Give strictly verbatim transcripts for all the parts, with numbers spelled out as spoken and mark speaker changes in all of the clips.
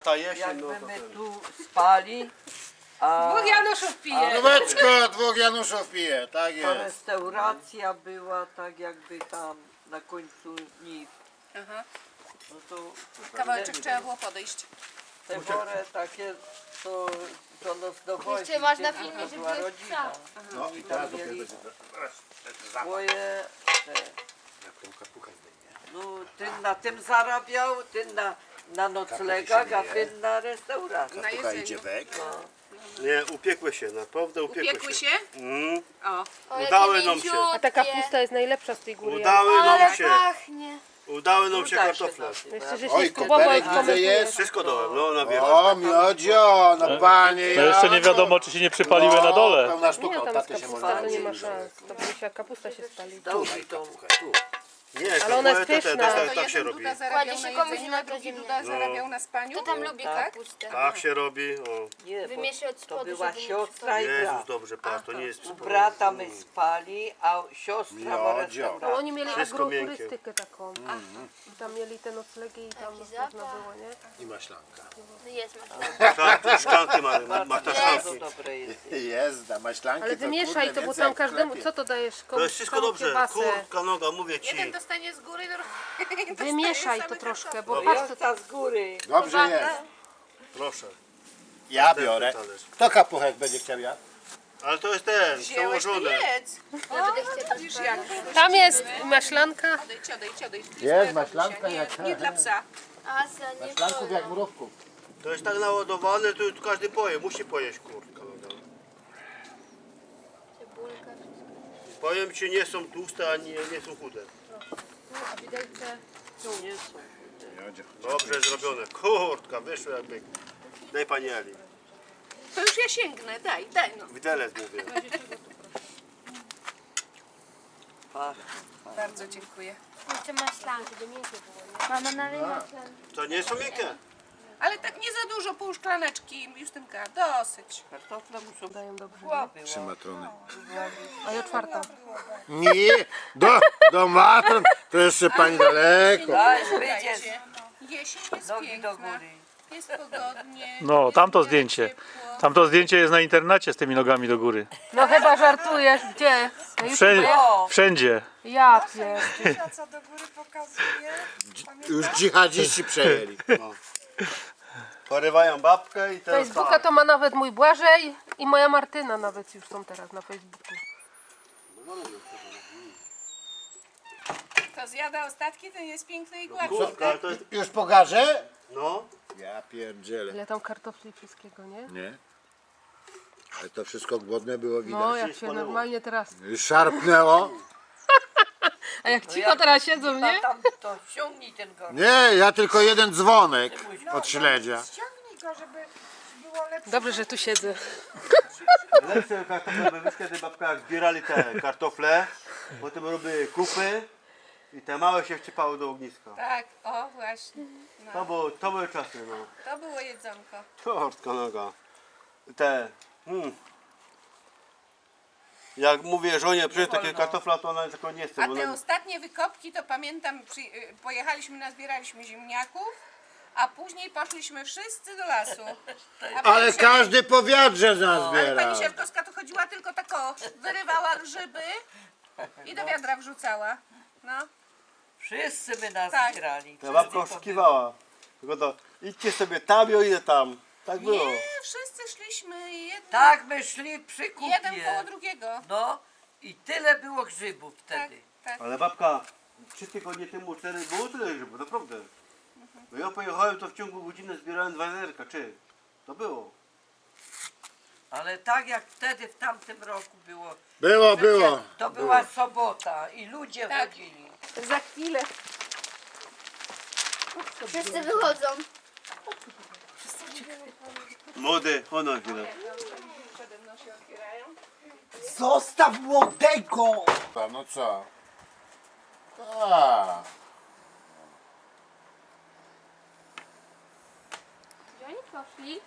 Speaker 1: Ta jesień,
Speaker 2: Jakby
Speaker 1: no to
Speaker 2: my
Speaker 1: ten.
Speaker 2: tu spali, a
Speaker 3: Dwóch Januszów pije.
Speaker 4: Nóweczko, dwóch Januszów pije, tak
Speaker 2: ta
Speaker 4: jest.
Speaker 2: restauracja była tak jakby tam na końcu niw,
Speaker 3: Aha.
Speaker 2: no to
Speaker 3: Kawałeczek trzeba było podejść.
Speaker 2: te wory takie, co do nas dochodzi.
Speaker 5: Jeszcze masz na
Speaker 2: to
Speaker 5: filmie, że
Speaker 2: była
Speaker 5: byłeś
Speaker 2: rodzina.
Speaker 5: psa.
Speaker 4: No
Speaker 2: I
Speaker 4: i
Speaker 2: tam
Speaker 4: teraz
Speaker 2: mieli
Speaker 4: będzie
Speaker 2: swoje, te,
Speaker 4: jak tą kapuchę zdejmie.
Speaker 2: no ten na tym zarabiał, ten na, na noclegach, a ten na restauracji.
Speaker 3: Na
Speaker 4: Kapucha
Speaker 3: jedzeniu.
Speaker 4: idzie wek.
Speaker 1: Nie, upiekły się, naprawdę upiekły,
Speaker 3: Upiekły się?
Speaker 1: Mm,
Speaker 3: O.
Speaker 5: O, jakie
Speaker 1: Udały nam się.
Speaker 5: mięciutkie.
Speaker 6: A ta kapusta jest najlepsza z tej góry.
Speaker 1: udały nam
Speaker 5: Ale
Speaker 1: się,
Speaker 5: pachnie.
Speaker 1: udały nam się
Speaker 2: Uda
Speaker 1: kartofle.
Speaker 2: nazywa.
Speaker 6: Jeszcze, że
Speaker 4: Oj,
Speaker 6: się skupował i
Speaker 4: koperek widzę
Speaker 6: komentuje.
Speaker 4: jest.
Speaker 1: Wszystko dołem, no na wierzch.
Speaker 4: O, miodzio, no panie.
Speaker 7: To jeszcze nie
Speaker 4: Janko.
Speaker 7: wiadomo, czy się nie przypaliły na
Speaker 4: No,
Speaker 7: dole.
Speaker 4: pełna sztuka,
Speaker 6: Nie,
Speaker 4: od
Speaker 6: tam jest
Speaker 4: taty się
Speaker 6: kapusta,
Speaker 4: można
Speaker 6: to nie ma
Speaker 4: nauczyć.
Speaker 6: szans. To będzie jak kapusta się spali.
Speaker 2: Dałby tą
Speaker 4: Kapuchę, tu.
Speaker 1: Nie,
Speaker 6: Ale ona jest
Speaker 1: kapułę to te-
Speaker 6: pyszna.
Speaker 1: tak,
Speaker 3: To
Speaker 1: tak się
Speaker 3: jeden
Speaker 1: robi.
Speaker 3: Duda zarabiał
Speaker 5: Kładzie
Speaker 3: na
Speaker 5: się komuś
Speaker 3: jedzeniu,
Speaker 5: na
Speaker 3: a drugi
Speaker 5: ziemię.
Speaker 3: Duda zarabiał na spaniu.
Speaker 5: To tam lubi
Speaker 3: tak?
Speaker 5: kapustę.
Speaker 1: Tak się robi, o.
Speaker 2: nie, bo
Speaker 5: Wymieszaj od
Speaker 2: to
Speaker 5: spodu,
Speaker 2: była
Speaker 5: żeby nie
Speaker 2: siostra i
Speaker 1: Jezus,
Speaker 2: brat.
Speaker 1: dobrze, patrz, to nie jest
Speaker 2: U
Speaker 1: przypomnienie.
Speaker 2: brata my spali, a siostra ma
Speaker 4: Miodzio.
Speaker 6: No,
Speaker 2: restaurację.
Speaker 6: oni mieli
Speaker 1: Wszystko miękkie.
Speaker 6: agroturystykę taką. I tam mieli te noclegi i tam
Speaker 5: Taki
Speaker 6: można
Speaker 5: zapach.
Speaker 6: było, nie?
Speaker 4: I maślanka.
Speaker 5: No jest masz.
Speaker 1: Szklanki, szklanki ma, ma ta
Speaker 2: Bardzo
Speaker 1: szklanki.
Speaker 2: dobre jest.
Speaker 4: Jezda, maślanki
Speaker 6: Ale
Speaker 4: to
Speaker 6: wymieszaj
Speaker 4: kurde,
Speaker 6: to, bo
Speaker 4: więcej
Speaker 6: tam
Speaker 4: jak w
Speaker 6: każdemu...
Speaker 4: sklepie.
Speaker 6: Co to dajesz?
Speaker 1: To
Speaker 6: Komuś
Speaker 1: jest wszystko
Speaker 6: całą
Speaker 1: dobrze,
Speaker 6: kiełbasę.
Speaker 1: kurka noga, mówię ci.
Speaker 3: Jeden dostanie z góry, drugi
Speaker 6: Wymieszaj
Speaker 3: dostaje
Speaker 6: to
Speaker 3: same
Speaker 6: troszkę,
Speaker 3: kartofle.
Speaker 6: bo patrz co
Speaker 2: Siostra z góry.
Speaker 4: Dobrze jest.
Speaker 1: Proszę.
Speaker 4: Ja biorę.
Speaker 1: talerz.
Speaker 4: Kto kapuchek będzie chciał ja?
Speaker 1: Ale to jest ten,
Speaker 3: Wzięłeś, to
Speaker 1: przełożone.
Speaker 3: jedz. Widzisz jak?
Speaker 6: Tam jest maślanka.
Speaker 3: Odejdź, odejdź, odejdź. To
Speaker 4: Jest
Speaker 3: moja
Speaker 4: maślanka
Speaker 3: kapusia,
Speaker 4: jak-
Speaker 3: nie, nie dla psa.
Speaker 5: Asa, nie
Speaker 4: Maślanków jak
Speaker 5: wolno.
Speaker 4: mrówków.
Speaker 1: To jest tak naładowane, to tu każdy poje, musi pojeść kurka noga.
Speaker 5: Cebulka, wszystko.
Speaker 1: Powiem ci, nie są tłuste, ani nie są chude.
Speaker 2: Tu nie są.
Speaker 4: Miodzio.
Speaker 1: Dobrze zrobione. Kurtka, wyszło jakby. Daj pani Eli.
Speaker 3: To już ja sięgnę, daj, daj no.
Speaker 1: Widelec mówię.
Speaker 2: Pach.
Speaker 3: Bardzo dziękuję.
Speaker 5: Jeszcze maślanki, to miękkie było, nie? Mama nalej maślanki.
Speaker 1: To nie są miękkie.
Speaker 3: Ale tak nie za dużo, pół szklaneczki, Justynka, dosyć.
Speaker 2: Kartofle muszą
Speaker 6: Dają dobrze.
Speaker 2: była, była.
Speaker 4: Trzy matrony.
Speaker 6: A ja czwarta.
Speaker 4: Nie, do, do matron, to jeszcze pani daleko.
Speaker 2: Daj, wyjdzie.
Speaker 3: Słuchajcie, jesień jest
Speaker 2: Nogi do
Speaker 3: piękna,
Speaker 2: góry.
Speaker 3: jest pogodnie.
Speaker 7: No,
Speaker 3: jest
Speaker 7: tamto
Speaker 3: w miarę
Speaker 7: zdjęcie.
Speaker 3: ciepło.
Speaker 7: Tamto zdjęcie jest na internecie z tymi nogami do góry.
Speaker 6: No chyba żartujesz. Gdzie? Na
Speaker 7: Wszędzie.
Speaker 6: YouTubie?
Speaker 2: O,
Speaker 7: Wszędzie.
Speaker 6: Ja pier...
Speaker 3: Co do góry pokazuje.
Speaker 4: Już dżihadziści przejęli.
Speaker 1: No. Porywają babkę i teraz
Speaker 6: Facebooka to ma nawet mój Błażej i moja Martyna nawet już są teraz na Facebooku.
Speaker 3: Kto zjada ostatki, ten jest piękny i gładki.
Speaker 1: Kurka, ale to jest...
Speaker 4: Już pogarzę?
Speaker 1: No.
Speaker 4: Ja pierdzielę.
Speaker 6: Ile tam kartofli wszystkiego, nie?
Speaker 4: Nie? Ale to wszystko głodne było widać.
Speaker 6: No, jak się normalnie teraz...
Speaker 4: Już szarpnęło.
Speaker 6: A jak cicho teraz siedzą,
Speaker 2: a
Speaker 6: nie?
Speaker 2: tam to ściągnij ten gorsz.
Speaker 4: Nie, ja tylko jeden dzwonek od śledzia.
Speaker 6: Dobrze, że tu siedzę.
Speaker 1: Lepsze kartofle by wyszły, kiedy babka jak zbierali te kartofle, potem robiły kupy i te małe się wcipały do ogniska.
Speaker 3: Tak, o właśnie. No,
Speaker 1: To, było, to były czasy, no.
Speaker 3: to było jedzonko.
Speaker 1: Kurtka noga. Te... Hmm. Jak mówię żonie, przecież takie kartofla, to ona tylko nie chce.
Speaker 3: A
Speaker 1: Bo
Speaker 3: te
Speaker 1: ona...
Speaker 3: ostatnie wykopki to pamiętam, przy, y, pojechaliśmy, nazbieraliśmy ziemniaków, a później poszliśmy wszyscy do lasu. A pani
Speaker 4: Ale
Speaker 3: Sier-
Speaker 4: każdy po wiadrze
Speaker 3: Ale
Speaker 4: nazbiera.
Speaker 3: pani Sierkowska to chodziła tylko tak o, wyrywała grzyby i do wiadra wrzucała. No.
Speaker 2: Wszyscy by nas
Speaker 3: Tak.
Speaker 2: zbierali.
Speaker 1: Ta babka oszukiwała. Tylko to idźcie sobie tam, ja idę tam. Tak było.
Speaker 3: Nie, wszyscy szliśmy jeden,
Speaker 2: Tak my szli przy
Speaker 3: jeden koło
Speaker 2: kupie.
Speaker 3: drugiego.
Speaker 2: No i tyle było grzybów
Speaker 3: Tak,
Speaker 2: wtedy.
Speaker 3: tak.
Speaker 1: Ale babka, trzy tygodnie temu, cztery, było tyle grzybów, naprawdę. No ja pojechałem, to w ciągu godziny zbierałem dwa zerka, czy? To było.
Speaker 2: Ale tak jak wtedy w tamtym roku było.
Speaker 4: Było, było.
Speaker 2: To była sobota i ludzie
Speaker 3: Tak.
Speaker 2: chodzili.
Speaker 6: Za chwilę.
Speaker 5: Wszyscy wychodzą.
Speaker 1: Młody, ono chwilę.
Speaker 4: Zostaw młodego! No co? Tak.
Speaker 5: Gdzie oni poszli?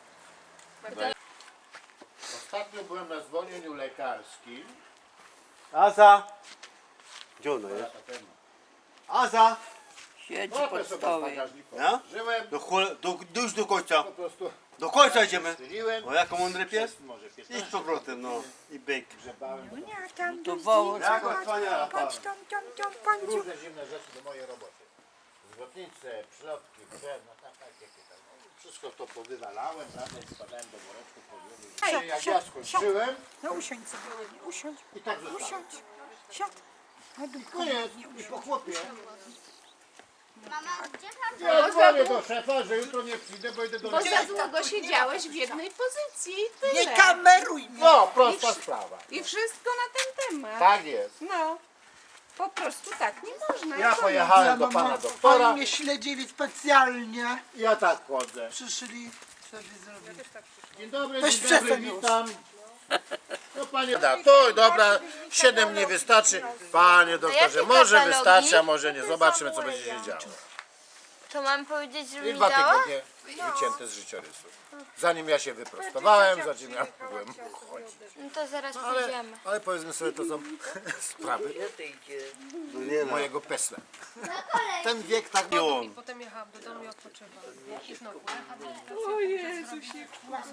Speaker 4: Ostatnio byłem na zwolnieniu lekarskim.
Speaker 1: Aza! Gdzie ona jest? Aza!
Speaker 2: Siedzi
Speaker 4: Łapę
Speaker 2: pod
Speaker 4: sobie w
Speaker 2: stołem.
Speaker 4: bagażniku.
Speaker 1: Ja?
Speaker 4: Żyłem,
Speaker 1: Do, chole- do, do, już do końca.
Speaker 4: po prostu
Speaker 1: Do końca idziemy.
Speaker 4: strzeliłem.
Speaker 1: O, jako mądry pies?
Speaker 4: Może
Speaker 1: Idź z
Speaker 4: piętnaście
Speaker 1: powrotem, no. I byk.
Speaker 4: grzebałem.
Speaker 2: To woło.
Speaker 1: Jako wspaniała para.
Speaker 4: Różne zimne rzeczy do mojej roboty. Zwrotnice, przylotki, drewno, tak, tak, jakie tam. No, wszystko to powywalałem, prawda, i składałem do woreczków, podwórek. Jak ja skończyłem,
Speaker 8: No usiądź sobie, ładnie, usiądź,
Speaker 4: i tak zostałem.
Speaker 8: usiądź, siad. Na dół,
Speaker 4: Koniec, i po chłopie.
Speaker 5: Mama, gdzie pan
Speaker 4: Ja dzwonię do szefa, że jutro nie przyjdę, bo idę do
Speaker 3: Bo
Speaker 4: lekarza.
Speaker 3: za długo siedziałeś w jednej pozycji i
Speaker 8: nie
Speaker 3: tyle.
Speaker 8: kameruj mnie.
Speaker 4: No, prosta sprawa.
Speaker 3: I wszystko na ten temat.
Speaker 4: Tak jest.
Speaker 3: No. Po prostu tak nie można.
Speaker 4: Ja
Speaker 3: I koniec.
Speaker 4: pojechałem do pana doktora,
Speaker 8: Oni mnie śledzili specjalnie.
Speaker 4: ja tak chodzę.
Speaker 8: Przyszli sobie zrobić.
Speaker 4: Dzień dobry,
Speaker 8: Weź
Speaker 4: dzień dobry,
Speaker 8: przestań już.
Speaker 4: witam. No panie, da, to dobra, siedem nie wystarczy. Panie doktorze,
Speaker 5: jakie
Speaker 4: może
Speaker 5: katalogi?
Speaker 4: wystarczy, a może nie. Zobaczymy, co będzie się działo.
Speaker 5: To mam powiedzieć, żeby
Speaker 4: I
Speaker 5: mi
Speaker 4: dwa
Speaker 5: dała?
Speaker 4: tygodnie wycięte z życiorysu. Zanim ja się wyprostowałem, zanim ja mogłem chodzić.
Speaker 5: No to zaraz
Speaker 4: Ale,
Speaker 5: pójdziemy.
Speaker 4: ale powiedzmy sobie, to są sprawy
Speaker 2: Gdzie ty idziesz?
Speaker 1: No nie no.
Speaker 4: mojego pesla. Ten wiek tak było.
Speaker 6: I potem jechałam do domu i odpoczywałam. I znowu
Speaker 3: O Jezusie.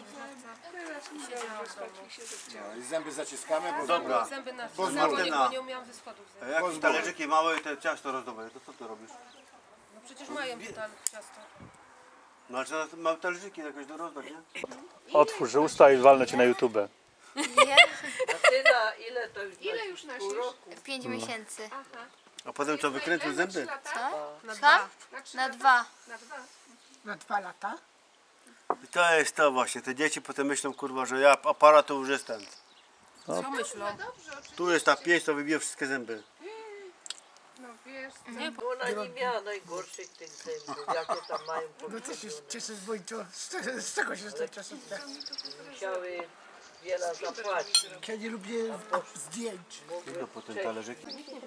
Speaker 4: No, i zęby zaciskamy, bo
Speaker 1: Dobra.
Speaker 6: zęby na
Speaker 1: Bo z
Speaker 6: na bo nie,
Speaker 1: Martyna.
Speaker 6: bo nie umiałam ze schodów
Speaker 1: A
Speaker 6: zejść.
Speaker 1: jak talerzyki małe i te ciasto rozdobre, to co ty robisz?
Speaker 6: No przecież mają tam ciasto.
Speaker 1: No ale trzeba małe talerzyki jakoś do rozdać, nie?
Speaker 7: Otwórz usta i walnę cię na YouTube.
Speaker 5: Nie?
Speaker 2: A ty na ile to już
Speaker 3: Ile
Speaker 2: nosisz?
Speaker 3: już
Speaker 2: Pół
Speaker 3: nosisz?
Speaker 2: roku?
Speaker 5: Pięć miesięcy.
Speaker 1: A potem co, wykręcił zęby?
Speaker 6: Na
Speaker 5: Co?
Speaker 6: dwa.
Speaker 5: Na dwa.
Speaker 3: Na dwa.
Speaker 8: Na dwa lata.
Speaker 1: I to jest to właśnie, te dzieci potem myślą, kurwa, że ja aparat to już jestem.
Speaker 6: Co myślą?
Speaker 1: Tu jest ta pięść, to wybije wszystkie zęby.
Speaker 3: No wiesz,
Speaker 2: Ona nie miała najgorszych tych zębów, jakie tam mają
Speaker 8: No co się
Speaker 2: powybione.
Speaker 8: cieszę z Wojto? Z, z czego się z tej czasówka?
Speaker 2: Musiały wiele zapłacić.
Speaker 8: Ja nie lubię zdjęć.
Speaker 1: No potem talerzyki.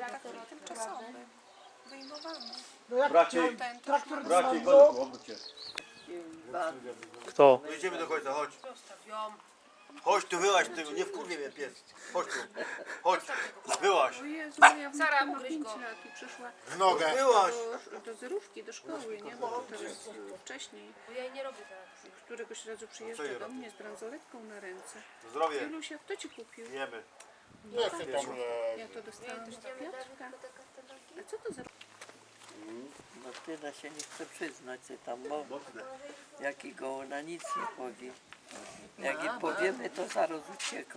Speaker 8: No jak
Speaker 1: Bracie,
Speaker 8: traktor
Speaker 1: bracie,
Speaker 8: dzwonił,
Speaker 1: Golku, obróć się.
Speaker 7: Kto?
Speaker 1: Jedziemy do końca, chodź.
Speaker 6: Zostaw ją.
Speaker 1: Chodź tu, wyłaź tego, nie wkurwie mnie pies. Chodź tu, chodź, wyłaź.
Speaker 3: Jezu, ja
Speaker 6: Sara,
Speaker 3: ma
Speaker 6: ugryź
Speaker 3: pięć
Speaker 6: go.
Speaker 3: lat i przyszła
Speaker 4: W nogę.
Speaker 1: Wyłaź.
Speaker 3: do, do zerówki, do szkoły, nie? Bo to teraz y, wcześniej.
Speaker 6: Bo ja jej nie robię teraz.
Speaker 3: Któregoś razu
Speaker 1: Co
Speaker 3: przyjeżdża
Speaker 1: jej
Speaker 3: do
Speaker 1: robi?
Speaker 3: mnie z bransoletką na ręce.
Speaker 1: Zdrowie,
Speaker 3: Ilusia, kto ci kupił?
Speaker 1: jemy.
Speaker 4: Nie chcę tam
Speaker 3: Ja to dostałam od Piotrka. A co to za...
Speaker 2: Martyna się nie chce przyznać, co tam ma. Jakiego ona nic nie powie. Jak jej powiemy, to zaraz ucieką.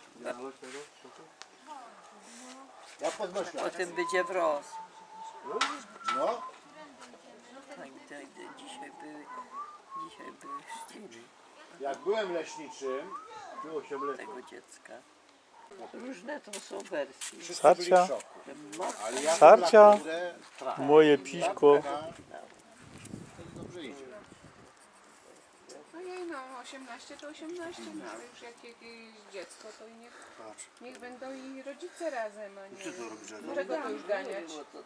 Speaker 4: Ja podnoszę.
Speaker 2: Potem będzie wroz.
Speaker 4: No,
Speaker 2: Tak, tak, dzisiaj były, dzisiaj były chrzciny
Speaker 4: jak byłem leśniczym,
Speaker 1: Było się mleko.
Speaker 2: tego dziecka. Różne to są wersje.
Speaker 4: wszyscy byli w
Speaker 7: Sarcia.
Speaker 4: szoku.
Speaker 2: Ma
Speaker 4: Ale ja
Speaker 7: Sarcia.
Speaker 4: naprawdę trafię.
Speaker 7: Moje piśko.
Speaker 4: Dobrze idzie.
Speaker 3: Ojej, no osiemnaście to osiemnaście, no ale już jak jakieś dziecko, to i niech,
Speaker 1: Patrz.
Speaker 3: niech będą i rodzice razem, a nie...
Speaker 1: Co tu robisz, Ania?
Speaker 3: Czego to już ganiać?
Speaker 2: było to